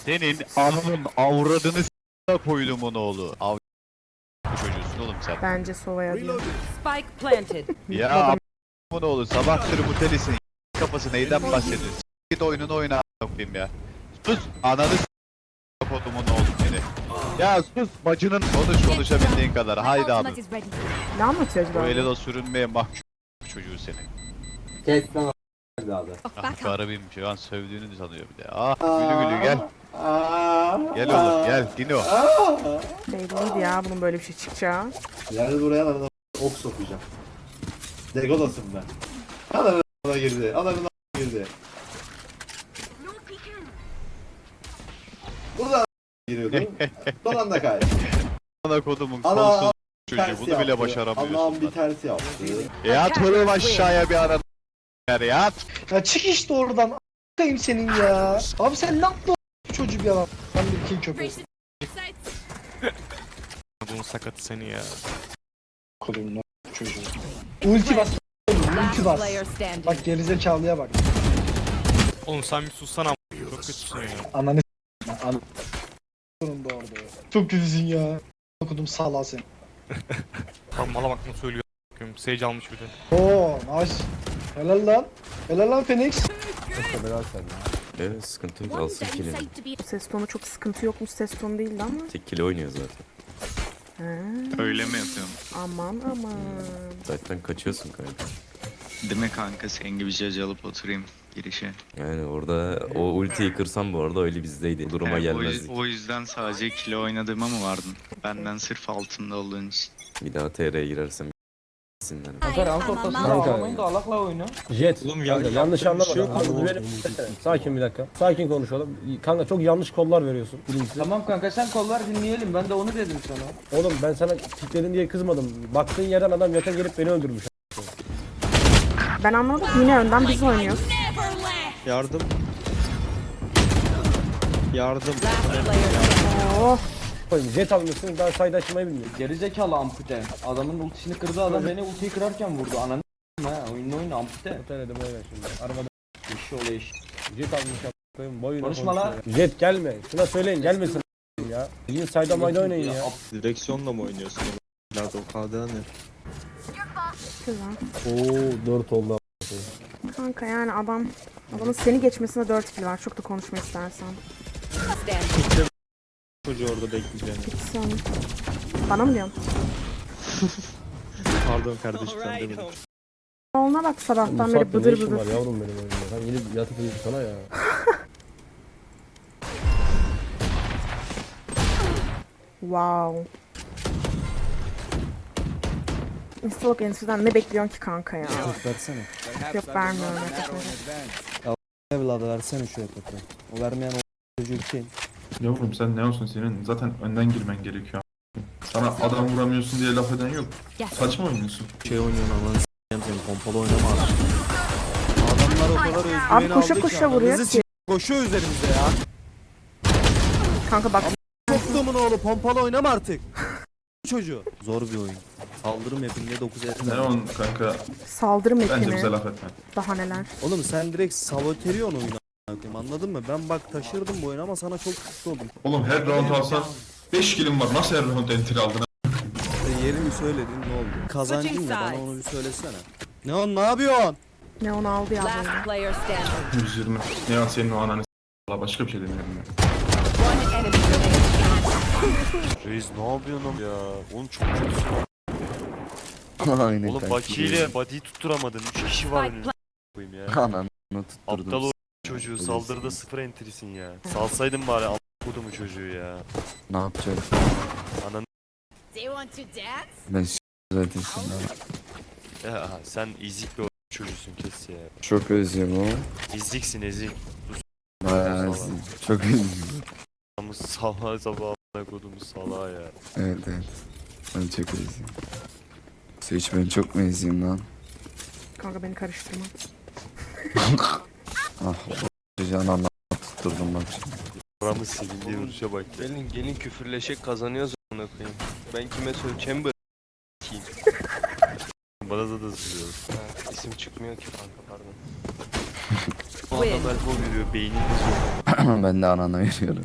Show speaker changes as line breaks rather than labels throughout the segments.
Senin ananın avradını s***a koydumun oğlu. Çocuğusun oğlum sen.
Bence Sova'ya diyor.
Spike planted.
Ya a***ın oğlu sabahtır bu telisin. Kafası neyden bahsediyorsun? Git oyununu oyna a***yim ya. Sus ananı s***a kodumun oğlu seni. Ya sus bacının konuşabildiğin kadar. Haydi abi.
Ne anlatıyor acaba?
O ele de sürünmeye mahkum çocuğu seni.
Kes lan abi.
Ah garibim şu an sövdüğünü sanıyor bir de. Ah gülü gülü gel. Gel oğlum gel Dino.
Belliydi ya bunun böyle bir şey çıkacağı.
Yani buraya adamına ok sokacağım. Degodasın ben. Adamına girdi. Adamına girdi. Buradan giriyordu. Son anda kaydı.
Ana kodumun
Ana,
kolsuz çocuğu
Tersi
bunu bile
yaptı.
başaramıyorsun.
Allah'ım bir
lan.
tersi yaptı.
Yat oğlum aşağıya bir ara yat.
Ya çık işte oradan a**ayım senin ya. Abi sen ne yaptın o çocuğu bir yalan. Ben bir kill köpeği.
Bunun sakatı seni ya.
Kodum ne çocuğu. Ulti bas. Ulti bas.
Player standing.
Bak gerizekalıya bak.
Oğlum sen bir sussana. Çok kötüsün ya.
Ananı s***. Sonunda orada. Çok kötüsün ya. Okudum sağla seni.
Tam mala bakma söylüyor. Sage almış bir de.
Oo nice. Helal lan. Helal lan Phoenix.
Evet sıkıntı yok alsın kilini.
Bu ses tonu çok sıkıntı yokmuş ses tonu değildi ama.
Tek kili oynuyor zaten.
He.
Öyle mi yapıyorum?
Aman aman.
Zaten kaçıyorsun kanka.
Değil mi kanka sen gibi cacı alıp oturayım girişe.
Yani orada o ultiyi kırsam bu arada öyle bizdeydi. Bu duruma gelmezdik.
O yüzden sadece kilo oynadığıma mı vardın? Benden sırf altında olduğun için.
Bir daha TR'ye girersem sinirlenir.
Jet,
Oğlum
kanka, yanlış anlama. Sakin bir dakika. Sakin konuşalım. Kanka çok yanlış kollar veriyorsun. Birincisi.
Tamam kanka sen kollar dinleyelim. Ben de onu dedim sana.
Oğlum ben sana pikledin diye kızmadım. Baktığın yerden adam yakın gelip beni öldürmüş.
Ben anlamadım yine önden biz oynuyoruz.
Yardım. Yardım.
Last player standing.
Oh.
Koyayım, Jet almışsın daha sayda açmayı bilmiyor.
Gerizekalı ampute. Adamın ultisini kırdı adam beni ultiyi kırarken vurdu. Ananı ha oyunu ampute.
Oteledim öyle şimdi. Arabada
İşi oluyor iş.
Jet almış koyayım boyuna
Konuşma lan.
konuşuyor. Jet gelme. Şuna söyleyin gelmesin ya. Bilin sayda mayda oynayın ya.
Direksiyonla mı oynuyorsun? Nerede o KD ne?
Güzel.
Oo 4 oldu.
Kanka yani adamın seni geçmesine 4 kill var. Çok da konuşma istersen.
Standing.
Çocuğu orada bekleyeceğim.
Sen bana mı diyorsun?
Pardon kardeşim sen demedim.
Oğluna bak sabahtan
Bu
beri
saatte ne
bıdır
işin var
bıdır.
yavrum benim oyunda. Ben yeni yatıp uyudum sana ya.
Wow. İnstalok Endüstri'den ne bekliyorsun ki kanka ya?
Versene.
Yok vermiyorum. Yok.
Evladı versene şu yakıtı. O vermeyen o çocuğu kim?
Yavrum sen ne olsun senin zaten önden girmen gerekiyor. Sana adam vuramıyorsun diye laf eden yok. Saçma oynuyorsun.
Şey oynuyorsun Allah'ını s**eyim seni pompalı oynama artık. Adamlar o kadar özgüveni
Abi koşa
aldı
koşa vuruyor ki.
Koşuyor üzerimize ya.
Kanka bak
Soktuğumun oğlu pompalı oynama artık. Çocuğu. Zor bir oyun. Saldırım hepinde 9 etme.
Ne on kanka
saldırım
bence bize
ekini.
laf etme.
Daha neler.
Oğlum sen direkt saboteriyon oyunu a**ayım, anladın mı? Ben bak taşırdım bu oyunu ama sana çok güçlü oldum.
Oğlum her round alsan 5 kilim var nasıl her round enter aldın?
Yerini söyledin ne oldu? Kazancın ne bana onu bir söylesene. Ne on ne yapıyorsun?
Ne onu aldı ya
Last
böyle.
player standing.
120. Ne ya senin o ananı s***la başka bir şey demiyorum ya.
One enemy remaining.
Reis ne yapıyorsun ya? Oğlum çok kötüsün.
Aynen
Oğlum Baki ile body'yi tutturamadın. 3 kişi var önünde. Koyayım ya.
Ananı tutturdum.
Aptal o çocuğu saldırıda 0 entrisin ya. Salsaydın bari a**kodumu çocuğu ya.
Ne yapacak?
Ananı
Ben zaten şimdi.
ya sen ezik bir çocuğusun kes ya.
Çok özlüyorum ama.
Eziksin ezik.
Bayağı çok özlüyorum.
Ama salağa sabah a**ına kodumu salağa ya.
Evet evet. Ben çok özlüyorum. Hiç ben çok mu eziyim lan?
Kanka beni karıştırma.
Ah çocuğun anlamı tutturdum bak şimdi.
Buramı silindiği vuruşa bak ya.
Gelin küfürleşek kazanıyoruz ona koyayım. Ben kime söyleyeyim? Chamber.
Bana da sürüyor.
İsim çıkmıyor ki kanka pardon.
Bu adam elbow veriyor beynini
Ben de anana veriyorum.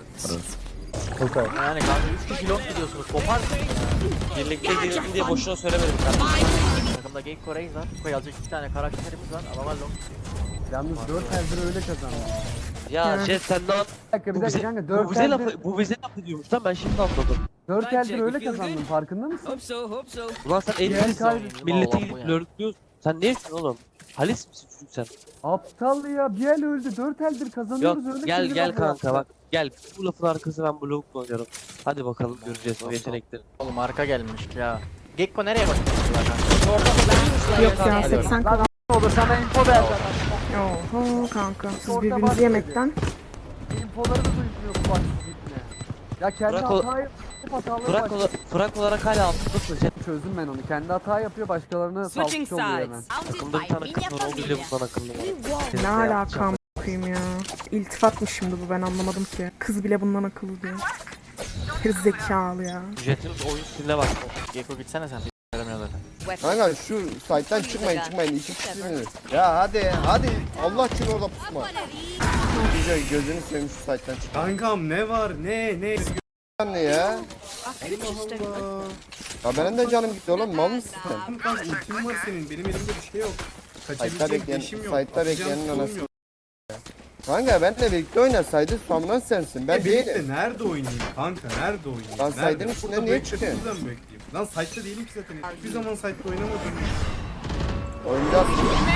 Yani kanka 3 kişi long gidiyorsunuz. Kopar mısın ya? Birlikte girelim diye boşuna söylemedim kardeşim. Takımda Geyik Kore'yiz var. Koy alacak 2 tane karakterimiz var. Adamlar long.
Yalnız 4 eldir öyle kazandı.
Ya Jet sen ne yap?
Bir dakika kanka 4
Bu bize laf ediyormuş lan ben şimdi anladım.
4 eldir öyle kazandın farkında mısın?
Ulan sen elini millete gidip lörtlüyorsun. Sen ne yapıyorsun oğlum? Halis misin çocuk sen?
Aptal ya bir el öldü 4 eldir
Yok
kazanıyoruz öyle
gel
kazanıyoruz.
gel kanka bak. Gel bu lafın arkası ben blok oynarım. Hadi bakalım göreceğiz o yetenekleri. Oğlum arka gelmiş ya. Gekko nereye bakıyorsun kanka?
Yok ya 80 kadar.
Olur sana info ver.
Oho kanka. Siz birbirinizi yemekten.
Infoları da duymuyor bu bak sizinle. Ya kendi
Bırak o-
hata yapıp hataları
Fırak olarak hala altındasın Jet.
çözdüm ben onu. Kendi hata yapıyor başkalarına
Switching
saltık oluyor hemen.
sides.
Takımda bir tane kız var o bile bundan akıllı var.
Ne alaka bakayım ya. İltifat mı şimdi bu ben anlamadım ki. Kız bile bundan akıllı diyor. Geri zekalı ya.
Jet'in oyun stiline bak. Gekko gitsene sen. Veremiyor zaten.
Kanka
şu site'den çıkmayın 2 kişisiniz. Ya hadi Allah için orada pusma. Güzel gözünü seveyim şu site'den çık.
Kankam ne var ne?
Ne ya? Ya benim de canım gitti oğlum mal mısın sen?
Kanka ultim var senin. Benim elimde bir şey yok.
Site'da bekleyenin anası. Kanka benle birlikte oynasaydı Samran sensin. Ben değilim.
Nerede oynayayım kanka? Nerede oynayayım?
Lan side'ın içinde niye çıkıyorsun?
Buradan bekleyeyim. Lan site'da değilim ki zaten. Hiçbir zaman site'da oynamadım.
Oynayacağız.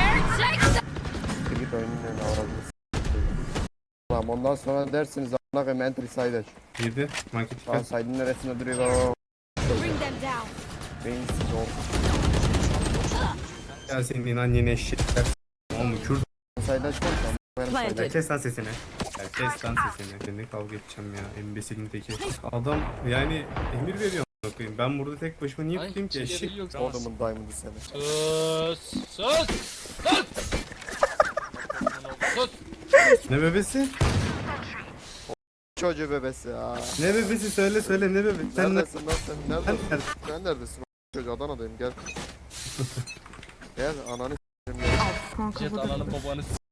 Git oyunun avradını Tamam ondan sonra dersiniz a**ına koyayım entry side aç.
Girdi. Market
Tamam side'ın neresinde duruyor baba.
bring them down.
Beyinsiz ol.
Ya senin annene eşekler. Oğlum Kürt.
Side açmam tamam.
Planted.
Kes lan sesini. Ya kes lan sesini. Seninle kavga edeceğim ya. Embesilin teki. Adam yani emir veriyor a**ına koyayım. Ben burada tek başıma niye tutayım ki eşek?
Adamın diamond'ı seni.
Ne bebesi?
Çocuğu bebesi ya.
Ne bebesi söyle ne bebesi? Sen ne?
Neredesin lan sen?
Sen
Neredesin?
nerede?
Sen neredesin? Çocuğu Adana'dayım gel. Gel ananı s**eyim
Kanka bu da.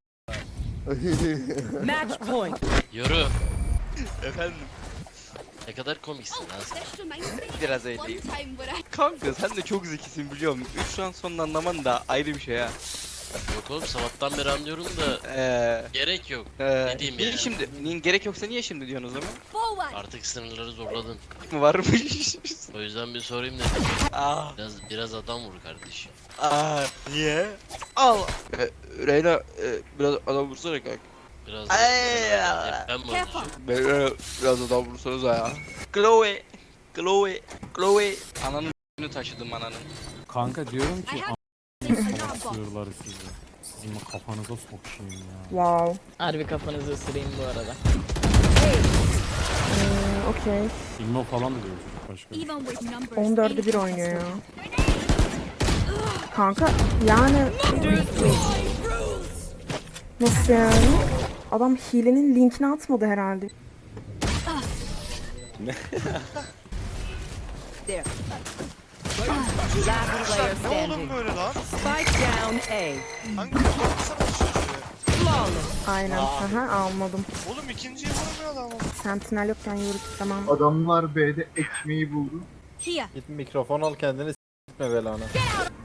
Match point.
Yürü. Efendim. Ne kadar komiksin lan sen.
Biraz öyleyim. Kanka sen de çok zekisin biliyorum. Şu an sonunu anlaman da ayrı bir şey ha.
Yok oğlum sabahtan beri anlıyorum da gerek yok. Ne diyeyim
niye
ya?
şimdi? Gerek yoksa niye şimdi diyorsun o zaman?
Artık sınırları zorladın.
Mı varmış?
O yüzden bir sorayım dedim.
Aa,
Biraz adam vur kardeşim.
niye? Al. Reyna biraz adam vursana kanka.
Biraz
Ay.
ben mi oynayacağım?
Biraz adam vursanız ya. Chloe. Ananın taşıdım ananın.
Kanka diyorum ki sığırları sizi. Sizin kafanıza sokayım ya.
Wow.
Harbi kafanızı ısırayım bu arada.
Okey.
İlmo falan da diyor çocuk başka.
14'e 1 oynuyor ya. Kanka yani nasıl yani? Adam hilenin linkini atmadı herhalde.
There. Last player standing. Spike down A. Flawless.
Aynen. Aha anladım.
Oğlum ikinciyi vurmuyor adam.
Sentinel yokken yürüdük tamam.
Adamlar B'de ekmeği buldu.
Here.
Git mikrofon al kendini s**tme belana.
Last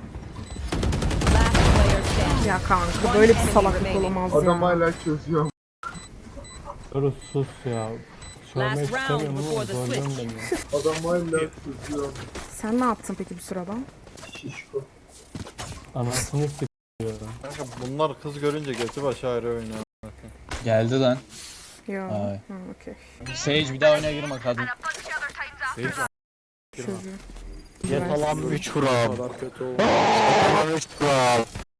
player standing.
Ya kanka böyle bir salaklık olamaz ya.
hala çözüyor.
Dur sus ya.
Last round before the switch.
Adam hala çözüyor.
Sen ne yaptın peki bu sırada?
Şişko.
Anasını s*** ya.
Kanka bunlar kız görünce götü başı ayrı oynuyor.
Geldi lan.
Ya.
Ay.
Ha, okey.
Sage bir daha oyuna girme kadın.
Çocuğu.
Jet alan 3 vuram.
kadar kötü oldu.